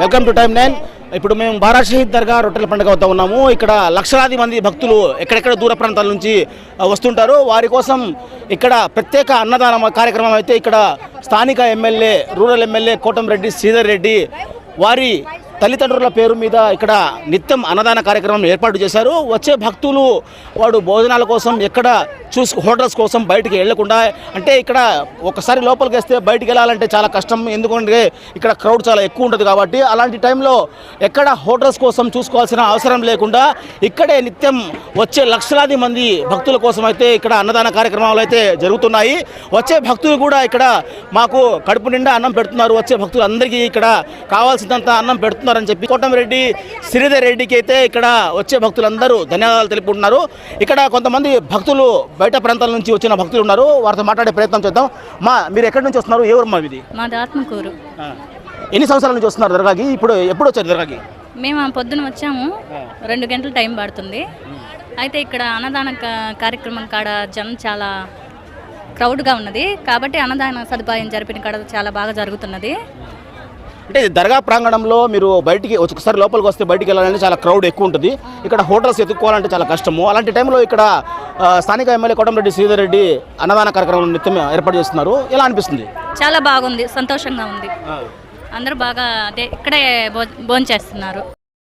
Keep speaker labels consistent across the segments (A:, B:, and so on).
A: Welcome to time 9. ఇప్పుడు మేము బారా షహీద్ దర్గా రొట్టెల పండుగ వద్ద ఉన్నాము. ఇక్కడ లక్షలాది మంది భక్తులు ఎక్కడెక్కడ దూర ప్రాంతాల నుంచి వస్తుంటారు. వారి కోసం ఇక్కడ ప్రత్యేక అన్నదాన కార్యక్రమం అయితే ఇక్కడ స్థానిక MLA rural MLA Kotamreddy Sridhar Reddy వారి తల్లిదండ్రుల పేరు మీద ఇక్కడ నిత్యం అన్నదాన కార్యక్రమం ఏర్పాటు చేశారు. వచ్చే భక్తులు వాడు భోజనాల కోసం ఎక్కడ హోటల్స్ కోసం బయటికి వెళ్లకుండా, అంటే ఇక్కడ ఒకసారి లోపలికి వస్తే బయటికి వెళ్ళాలంటే చాలా కష్టం, ఎందుకంటే ఇక్కడ క్రౌడ్ చాలా ఎక్కువ ఉంటుంది కాబట్టి. అలాంటి టైంలో ఎక్కడ హోటల్స్ కోసం చూసుకోవాల్సిన అవసరం లేకుండా ఇక్కడే నిత్యం వచ్చే లక్షలాది మంది భక్తుల కోసం అయితే ఇక్కడ అన్నదాన కార్యక్రమాలు అయితే జరుగుతున్నాయి. వచ్చే భక్తులు కూడా ఇక్కడ మాకు కడుపు నిండా అన్నం పెడుతున్నారు, వచ్చే భక్తులు అందరికీ ఇక్కడ కావాల్సినంత అన్నం పెడుతున్నారని చెప్పి కోటంరెడ్డి శ్రీధర్ రెడ్డికి అయితే ఇక్కడ వచ్చే భక్తులందరూ ధన్యవాదాలు తెలుపుకుంటున్నారు. ఇక్కడ కొంతమంది భక్తులు బయట ప్రాంతాల నుంచి వచ్చిన భక్తులు ఉన్నారు, వారితో మాట్లాడే ప్రయత్నం చేద్దాం. మీరు ఎక్కడి నుంచి వస్తున్నారు? ఏ ఊరు మా ఇది?
B: మాది ఆత్మకూరు.
A: ఎన్ని సంవత్సరాల నుంచి వస్తున్నారు దర్గాకి? ఇప్పుడు ఎప్పుడు వచ్చారు దర్గాకి?
B: మేము పొద్దున వచ్చాము, 2 గంటలు టైం పడుతుంది. అయితే ఇక్కడ అన్నదాన కార్యక్రమం కాడ జనం చాలా క్రౌడ్గా ఉన్నది కాబట్టి అన్నదాన సదుపాయం జరిపిన కాడ చాలా బాగా జరుగుతున్నది.
A: అంటే దర్గా ప్రాంగణంలో మీరు బయటికి ఒకసారి లోపలికి వస్తే బయటికి వెళ్ళాలంటే చాలా క్రౌడ్ ఎక్కువ ఉంటుంది. ఇక్కడ హోటల్స్ ఎత్తుక్కోవాలంటే చాలా కష్టము. అలాంటి టైంలో ఇక్కడ స్థానిక ఎమ్మెల్యే కోటంరెడ్డి శ్రీధర్ రెడ్డి అన్నదాన కార్యక్రమం నిత్యం ఏర్పాటు చేస్తున్నారు. ఎలా అనిపిస్తుంది?
B: చాలా బాగుంది, సంతోషంగా ఉంది. అందరూ బాగా ఇక్కడే భోజనం చేస్తున్నారు.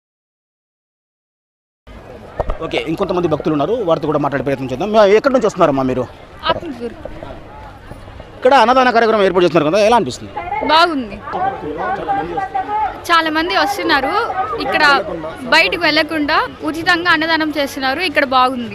A: ఓకే, ఇంకొంతమంది భక్తులు ఉన్నారు, వారితో కూడా మాట్లాడే ప్రయత్నం చేద్దాం. ఎక్కడి నుంచి వస్తున్నారమ్మా మీరు? ఇక్కడ అన్నదాన కార్యక్రమం ఏర్పాటు చేస్తున్నారు కదా, ఎలా అనిపిస్తుంది?
C: బాగుంది, చాలా మంది వస్తున్నారు. ఇక్కడ బయటకు వెళ్ళకుండా ఉచితంగా అన్నదానం చేస్తున్నారు. ఇక్కడ బాగుంది.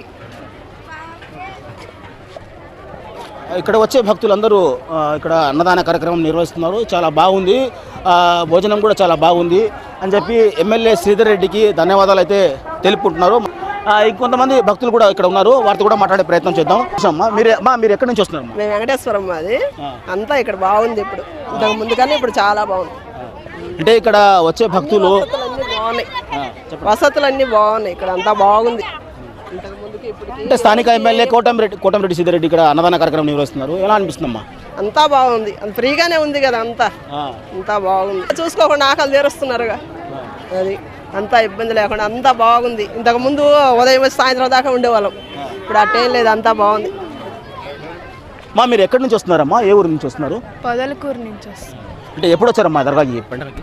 A: ఇక్కడ వచ్చే భక్తులందరూ ఇక్కడ అన్నదాన కార్యక్రమం నిర్వహిస్తున్నారు. చాలా బాగుంది, భోజనం కూడా చాలా బాగుంది అని చెప్పి ఎమ్మెల్యే శ్రీధర్ రెడ్డికి ధన్యవాదాలు అయితే తెలుపుకుంటున్నారు. ఇంకొంతమంది భక్తులు కూడా ఇక్కడ ఉన్నారు, వారితో కూడా మాట్లాడే ప్రయత్నం చేద్దాం. మీరు ఎక్కడి నుంచి వస్తున్నారు?
D: మేము వెంకటేశ్వరం, మాది అంతా ఇక్కడ బాగుంది. ఇప్పుడు ఇంతకు ముందు కానీ ఇప్పుడు చాలా బాగుంది.
A: అంటే ఇక్కడ వచ్చే భక్తులు
D: బాగున్నాయి, వసతులన్నీ బాగున్నాయి, ఇక్కడ అంతా బాగుంది.
A: అంటే స్థానిక ఎమ్మెల్యే కోటంరెడ్డి శ్రీధర్ రెడ్డి ఇక్కడ అన్నదాన కార్యక్రమం నిర్వహిస్తున్నారు. ఎలా అనిపిస్తుందమ్మా?
D: అంతా బాగుంది, ఫ్రీగానే ఉంది కదా, అంతా బాగుంది. చూసుకోకుండా ఆకలి తీరుస్తున్నారుగా, అది అంతా ఇబ్బంది లేకుండా అంతా బాగుంది. ఇంతకు ముందు ఉదయం వచ్చి సాయంత్రం దాకా ఉండేవాళ్ళం, ఇప్పుడు అట్టేం లేదు, అంతా బాగుంది.
A: మీరు ఎక్కడి నుంచి వస్తున్నారమ్మా? ఏ ఊరు నుంచి వస్తున్నారు?
C: పొదలకూరు నుంచి వస్తున్నాం.
A: అంటే ఎప్పుడు వచ్చారమ్మా దర్గాకి పండుగకి?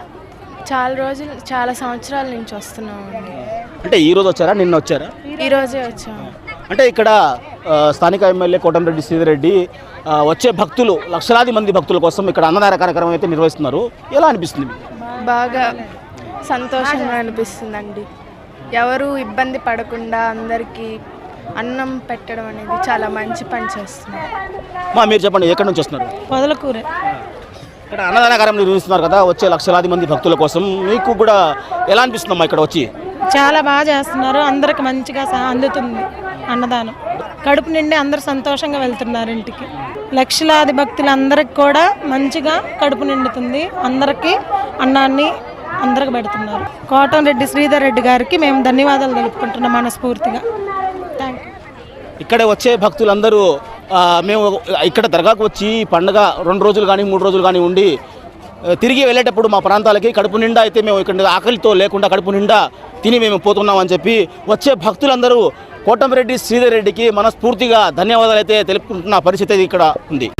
C: చాలా సంవత్సరాల నుంచి వస్తున్నాం.
A: అంటే ఈ రోజు వచ్చారా, నిన్న వచ్చారా?
C: ఈ రోజే వచ్చాము.
A: అంటే ఇక్కడ స్థానిక ఎమ్మెల్యే కోటంరెడ్డి శ్రీధర్ రెడ్డి వచ్చే భక్తులు లక్షలాది మంది భక్తుల కోసం ఇక్కడ అన్నదాన కార్యక్రమం అయితే నిర్వహిస్తున్నారు. ఎలా అనిపిస్తుంది?
E: బాగా సంతోషంగా అనిపిస్తుందండి. ఎవరు ఇబ్బంది పడకుండా అందరికీ అన్నం పెట్టడం అనేది చాలా మంచి పని చేస్తున్నారు.
A: మీరు చెప్పండి, ఎక్కడి నుంచి వస్తున్నారు?
E: పొదలకూరే.
A: ఇక్కడ అన్నదాన కార్యక్రమం నిర్వహిస్తున్నారు కదా, వచ్చే లక్షలాది మంది భక్తుల కోసం మీకు కూడా ఎలా అనిపిస్తుందమ్మా ఇక్కడ వచ్చి?
E: చాలా బాగా చేస్తున్నారు, అందరికి మంచిగా అందుతుంది అన్నదానం. కడుపు నిండి అందరు సంతోషంగా వెళ్తున్నారు ఇంటికి. లక్షలాది భక్తులందరికి కూడా మంచిగా కడుపు నిండుతుంది, అందరికీ అన్నాన్ని అందరికి పెడుతున్నారు. కోటంరెడ్డి శ్రీధర్ రెడ్డి గారికి మేము ధన్యవాదాలు తెలుపుకుంటున్నాం మనస్ఫూర్తిగా. Thank you.
A: ఇక్కడ వచ్చే భక్తులందరూ మేము ఇక్కడ దర్గాకు వచ్చి పండుగ 2 రోజులు కానీ 3 రోజులు కానీ ఉండి తిరిగి వెళ్ళేటప్పుడు మా ప్రాంతాలకి కడుపు నిండా అయితే మేము ఇక్కడ ఆకలితో లేకుండా కడుపు నిండా తిని మేము పోతున్నామని చెప్పి వచ్చే భక్తులందరూ కోటంరెడ్డి శ్రీధర్ రెడ్డికి మనస్ఫూర్తిగా ధన్యవాదాలు అయితే తెలుపుకుంటున్న పరిస్థితి ఇక్కడ ఉంది.